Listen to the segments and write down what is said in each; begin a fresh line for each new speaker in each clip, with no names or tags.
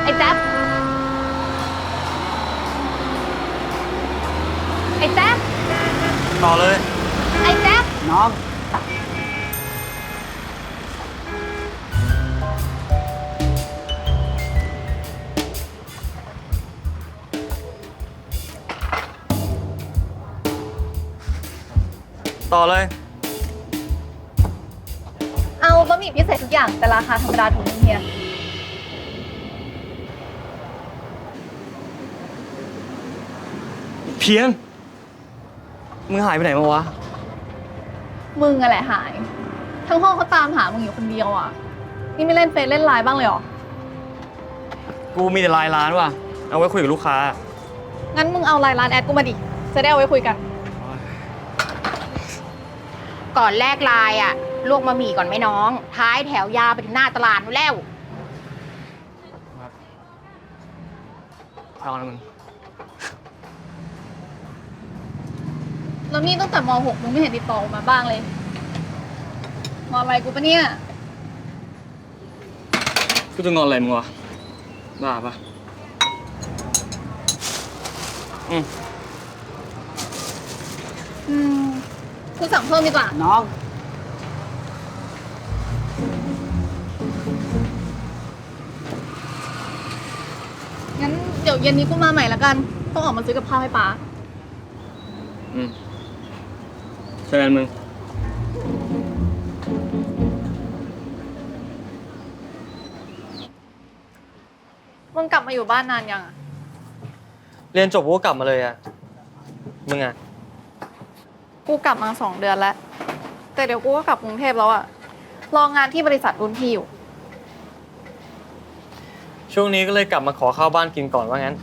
แจ๊บไอ้แจ๊บ
ต่อเลย
ไอ้แจ๊บ
น้อง
ต่อเลย
เอาบะหมี่พิเศษทุกอย่างแต่ราคาธรรมดาถุงนึงเฮีย
เพียงมึงหายไปไหนมาวะ
มึงอะไรหายทั้งห้องเขาตามหามึงอยู่คนเดียวอ่ะนี่ไม่เล่นเฟซเล่นไลน์บ้างเลยหรอ
กูมีแต่ไลน์ร้านว่ะเอาไว้คุยกับลูกค้า
งั้นมึงเอาไลน์ร้านแอดกูมาดิจะได้เอาไว้คุยกัน
ก่อนแลกไลน์อ่ะลวกบะหมี่ก่อนไหมน้องท้ายแถวยาวไปถึงหน้าตลาดนู่นแล้ว
เอาละมึง
แล้วนี่ตั้งแต่ม.6 มึงไม่เห็นติดต่อมาบ้างเลยงอนอะไรกูปะเนี่ย
กูจะงอนอะไรมึงวะบ้าปะ
กูสั่งเพิ่มดีกว่า
น้อง
งั้นเดี๋ยวเย็นนี้กูมาใหม่ละกันต้องออกมาซื้อกับข้าวให้ป๊า
เจอกันมึง
มึงกลับมาอยู่บ้านนานยังอะ
เรียนจบกูก็กลับมาเลยอะมึงอะ
กูกลับมา2 เดือนแล้วแต่เดี๋ยวกูก็กลับกรุงเทพแล้วอะรองานที่บริษัทรุ่นพี่อยู่
ช่วงนี้ก็เลยกลับมาขอข้าวบ้านกินก่อนว่างั้น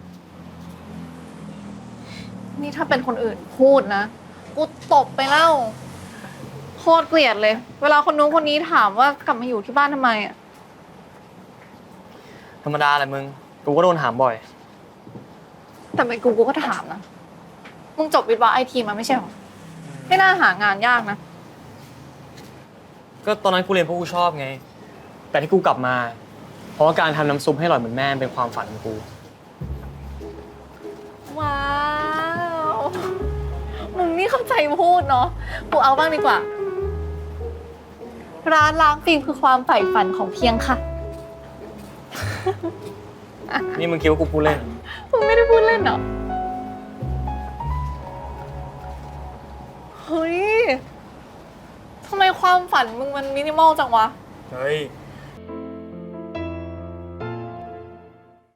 นี่ถ้าเป็นคนอื่นพูดนะกูตบไปแล้วโคตรเกลียดเลยเวลาคนนู้นคนนี้ถามว่ากลับมาอยู่ที่บ้านทำไมอะ
ธรรมดาแหละมึงกูก็โดนถามบ่อย
แต่ไม่กูก็ถามนะมึงจบวิศวะไอทีมาไม่ใช่หรอไม่น่าหางานยากนะ
ก็ตอนนั้นกูเรียนเพราะกูชอบไงแต่ที่กูกลับมาเพราะว่าการทำน้ำซุปให้อร่อยเหมือนแม่เป็นความฝันของกู
ว้าวมึงนี่เข้าใจพูดเนาะกูเอาบ้างดีกว่าร้านล้างฟิล์มคือความใฝ่ฝันของเพียงค่ะ
นี่มึงคิดว่ากูพูดเล่น
มึงไม่ได้พูดเล่นเหรอเฮ้ยทำไมความฝันมึงมันมินิมอลจังวะ
เฮ้ย